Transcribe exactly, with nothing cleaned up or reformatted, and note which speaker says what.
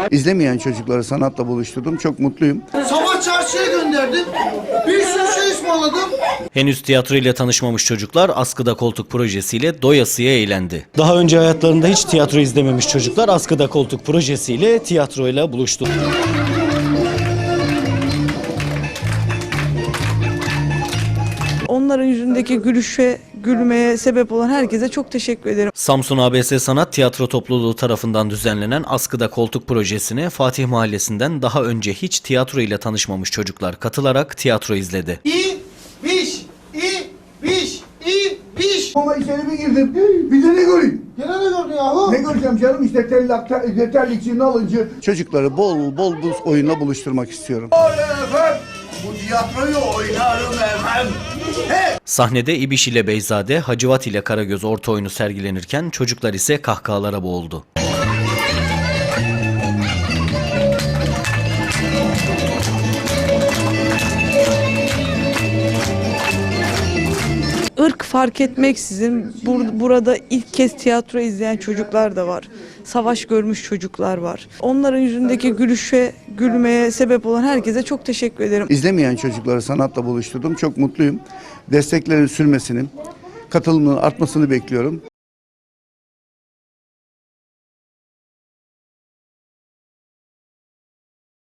Speaker 1: İzlemeyen çocukları sanatla buluşturdum. Çok mutluyum.
Speaker 2: Sabah çarşıya gönderdim. Bir sürü şey ısmarladım.
Speaker 3: Henüz tiyatro ile tanışmamış çocuklar Askıda Koltuk projesiyle doyasıya eğlendi.
Speaker 4: Daha önce hayatlarında hiç tiyatro izlememiş çocuklar Askıda Koltuk projesiyle tiyatroyla buluştu.
Speaker 5: Onların yüzündeki gülüşe, gülmeye sebep olan herkese çok teşekkür ederim.
Speaker 3: Samsun A B S Sanat Tiyatro Topluluğu tarafından düzenlenen Askıda Koltuk projesine Fatih Mahallesi'nden daha önce hiç tiyatro ile tanışmamış çocuklar katılarak tiyatro izledi.
Speaker 2: İ, biş, i, biş, i, biş.
Speaker 1: Ama içeri bir girdim. Bir de ne göreyim?
Speaker 2: Gene ne gördün yahu?
Speaker 1: Ne göreceğim canım? İşte terlik, terlikçi, nalıncı. Çocukları bol bol bu oyunla buluşturmak istiyorum.
Speaker 2: Bu tiyatroyu oynarım efendim.
Speaker 3: Sahnede İbiş ile Beyzade, Hacivat ile Karagöz orta oyunu sergilenirken çocuklar ise kahkahalara boğuldu.
Speaker 5: Irk fark etmeksizin bur- burada ilk kez tiyatro izleyen çocuklar da var. Savaş görmüş çocuklar var. Onların yüzündeki gülüşe, gülmeye sebep olan herkese çok teşekkür ederim.
Speaker 1: İzlemeyen çocukları sanatla buluşturdum. Çok mutluyum. Desteklerin sürmesini, katılımının artmasını bekliyorum.